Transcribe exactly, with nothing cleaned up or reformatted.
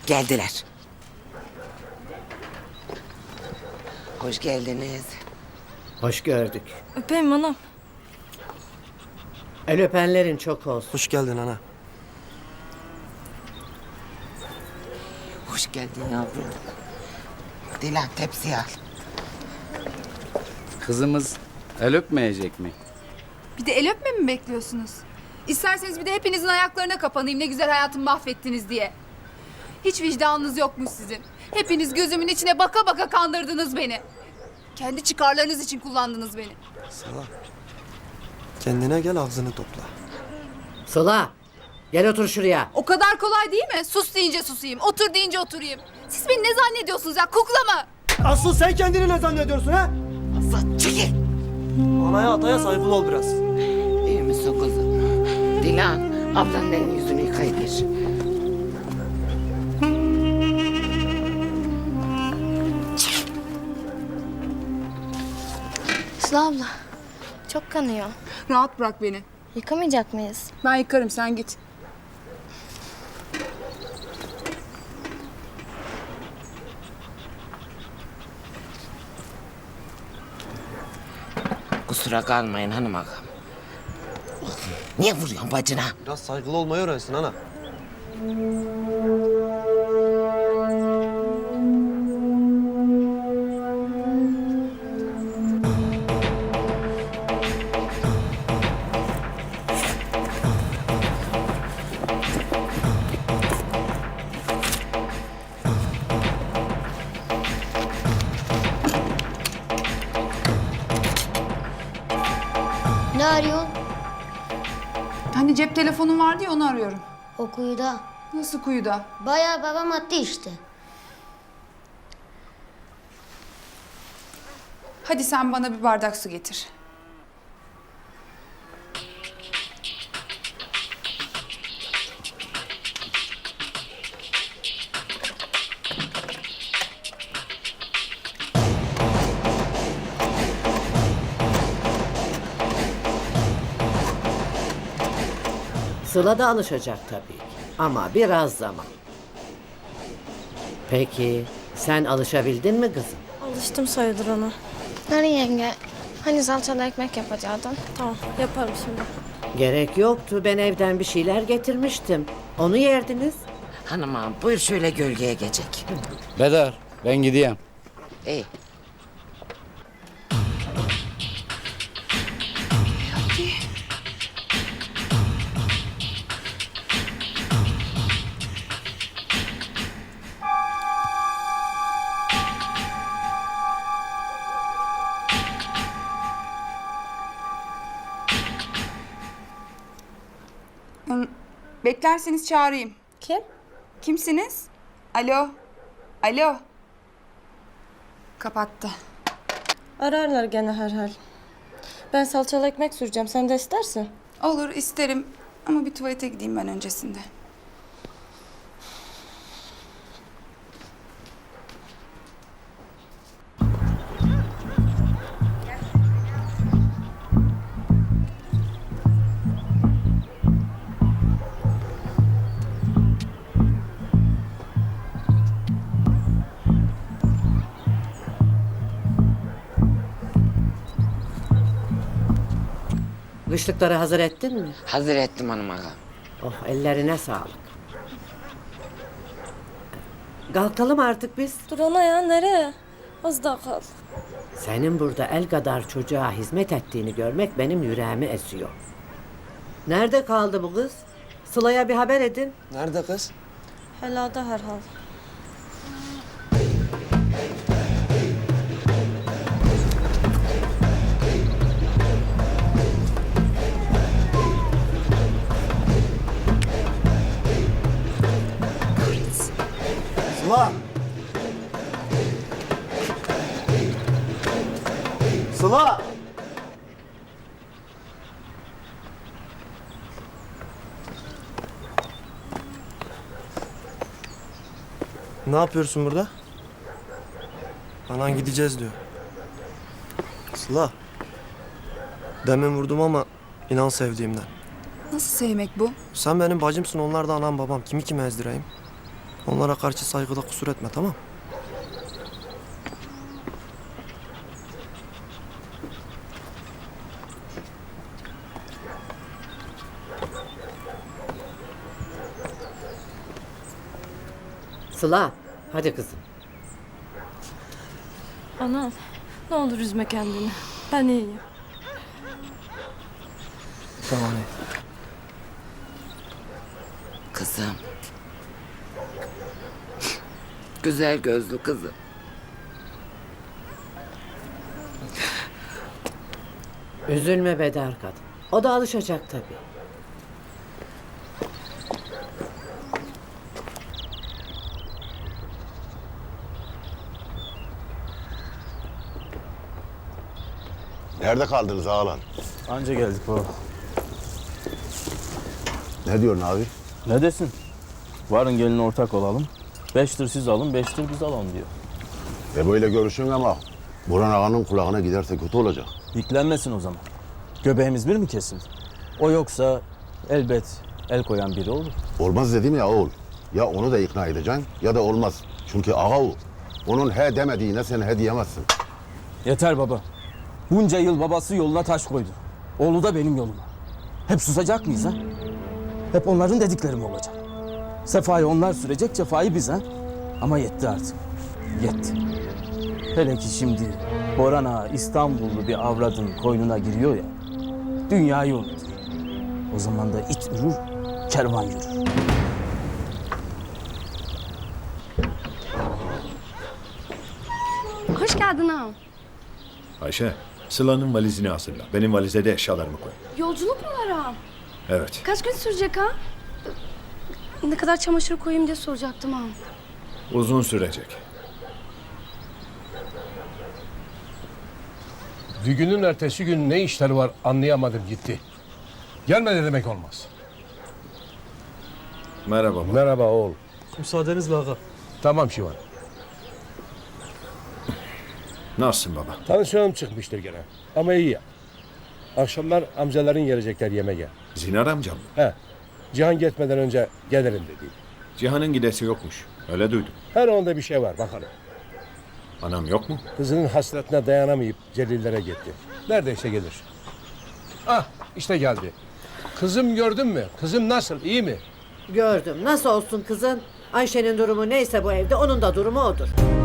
Geldiler. Hoş geldiniz. Hoş gördük. Öpeyim anam. El öpenlerin çok olsun. Hoş geldin ana. Hoş geldin yavrum. Dilan tepsi al. Kızımız el öpmeyecek mi? Bir de el öpme mi bekliyorsunuz? İsterseniz bir de hepinizin ayaklarına kapanayım ne güzel hayatımı mahvettiniz diye. Hiç vicdanınız yokmuş sizin. Hepiniz gözümün içine baka baka kandırdınız beni. Kendi çıkarlarınız için kullandınız beni. Sıla. Kendine gel, ağzını topla. Sıla, gel otur şuraya. O kadar kolay değil mi? Sus deyince susayım, otur deyince oturayım. Siz beni ne zannediyorsunuz ya, kukla mı? Asıl sen kendini ne zannediyorsun ha? Aslan çekil. Anaya ataya saygılı ol biraz. İyi misin kızım? Dilan ablanın elini yüzünü yıkayıver. Sıla abla, çok kanıyor. Rahat bırak beni. Yıkamayacak mıyız? Ben yıkarım, sen git. Kusura kalmayın hanım ağam. Niye vuruyorsun bacına? Biraz saygılı olmayı öğrensin ana. Ne arıyorsun? Hani cep telefonun vardı ya, onu arıyorum. O kuyuda. Nasıl kuyuda? Bayağı babam attı işte. Hadi sen bana bir bardak su getir. Sıla da alışacak tabii ki. Ama biraz zaman. Peki, sen alışabildin mi kızım? Alıştım sayılır ona. Nari yenge, hani salçalı ekmek yapacaktın? Tamam yaparım şimdi. Gerek yoktu. Ben evden bir şeyler getirmiştim. Onu yerdiniz. Hanım ağam buyur şöyle gölgeye geçecek. Bedar, ben gideyim. İyi. Hmm, Beklerseniz çağırayım. Kim? Kimsiniz? Alo? Alo? Kapattı. Ararlar gene herhal. Ben salçalı ekmek süreceğim. Sen de istersin. Olur, isterim. Ama bir tuvalete gideyim ben öncesinde. Kışlıkları hazır ettin mi? Hazır ettim hanım ağam. Oh, ellerine sağlık. Kalkalım artık biz. Dur ana ya, nereye? Az daha kal. Senin burada el kadar çocuğa hizmet ettiğini görmek benim yüreğimi esiyor. Nerede kaldı bu kız? Sıla'ya bir haber edin. Nerede kız? Helada herhal. Sıla! Sıla! Ne yapıyorsun burada? Anan gideceğiz diyor. Sıla. Demin vurdum ama inan sevdiğimden. Nasıl sevmek bu? Sen benim bacımsın, onlar da anam babam. Kimi kime ezdireyim? Onlara karşı saygıda kusur etme, tamam? Sıla, hadi kızım. Ana, ne olur üzme kendini. Ben iyiyim. Tamam. Kızım. Güzel gözlü kızım. Üzülme Bedar kadın. O da alışacak tabii. Nerede kaldınız ağalan? Anca geldik baba. Ne diyorsun abi? Ne desin? Varın gelin ortak olalım. Beş tır siz alın, beş tır biz alalım diyor. E böyle görüşün ama Burhan ağanın kulağına giderse kötü olacak. Yüklenmesin o zaman. Göbeğimiz bir mi kesin? O yoksa elbet el koyan biri olur. Olmaz dedim ya oğul. Ya onu da ikna edeceksin ya da olmaz. Çünkü ağa o. Onun he demediğine sen he diyemezsin. Yeter baba. Bunca yıl babası yoluna taş koydu. Oğlu da benim yoluma. Hep susacak mıyız ha? Hep onların dedikleri mi olacak? Sefayı onlar sürecek, cefayı biz ha? Ama yetti artık. Yetti. Hele ki şimdi Boran Ağa İstanbullu bir avradın koynuna giriyor ya. Dünyayı unutur. O zaman da it ürür, kervan yürür. Hoş geldin ağam. Ayşe, Sıla'nın valizini hazırla. Benim valize de eşyalarımı koy. Yolculuk mu var ağam? Evet. Kaç gün sürecek ha? Ne kadar çamaşır koyayım diye soracaktım ağam. Uzun sürecek. Düğünün ertesi gün ne işleri var anlayamadım gitti. Gelmedi demek olmaz. Merhaba baba. Merhaba oğul. Müsaadenizle ağa. Tamam Şivan. Nasılsın baba? Tansiyonum çıkmıştır gene. Ama iyi ya. Akşamlar amcaların gelecekler yemeğe. Zinar amcam mı? He. Cihan gitmeden önce gelirim dedi. Cihan'ın gidesi yokmuş. Öyle duydum. Her onda bir şey var bakalım. Anam yok mu? Kızının hasretine dayanamayıp Celillere gitti. Neredeyse gelir. Ah işte geldi. Kızım gördün mü? Kızım nasıl? İyi mi? Gördüm. Nasıl olsun kızın? Ayşe'nin durumu neyse bu evde onun da durumu odur.